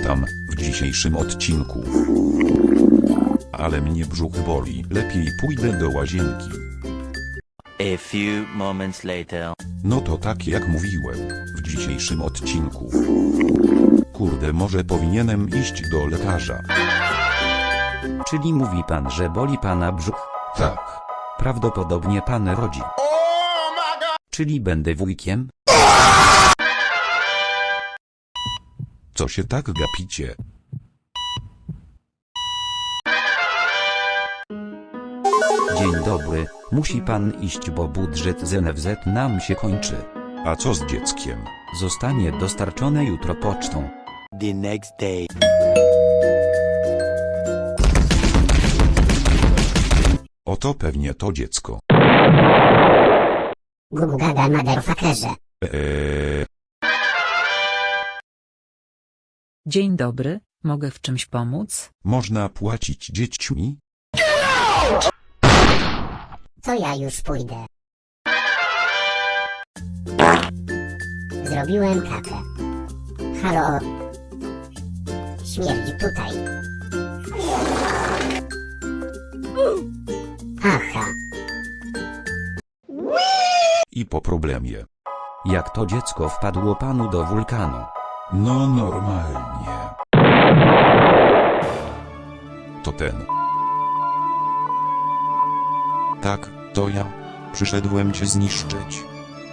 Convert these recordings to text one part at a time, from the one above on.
Witam w dzisiejszym odcinku. Ale mnie brzuch boli, lepiej pójdę do łazienki. A few moments later. No to tak jak mówiłem, w dzisiejszym odcinku. Kurde, może powinienem iść do lekarza. Czyli mówi pan, że boli pana brzuch? Tak. Prawdopodobnie pan rodzi. Czyli będę wujkiem? Co się tak gapicie? Dzień dobry, musi pan iść, bo budżet z NFZ nam się kończy. A co z dzieckiem? Zostanie dostarczone jutro pocztą. The next day. Oto pewnie to dziecko. Gugu gaga motherfuckerze. Dzień dobry, mogę w czymś pomóc? Można płacić dziećmi? To ja już pójdę. Zrobiłem kawę. Halo? Śmierdzi tutaj. Aha. I po problemie. Jak to dziecko wpadło panu do wulkanu? No normalnie. To ten. Tak, to ja. Przyszedłem cię zniszczyć.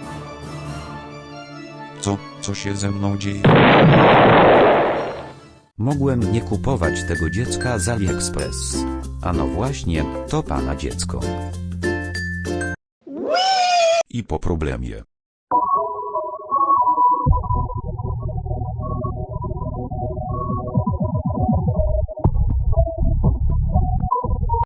Co się ze mną dzieje? Mogłem nie kupować tego dziecka z AliExpress. A no właśnie, to pana dziecko. I po problemie.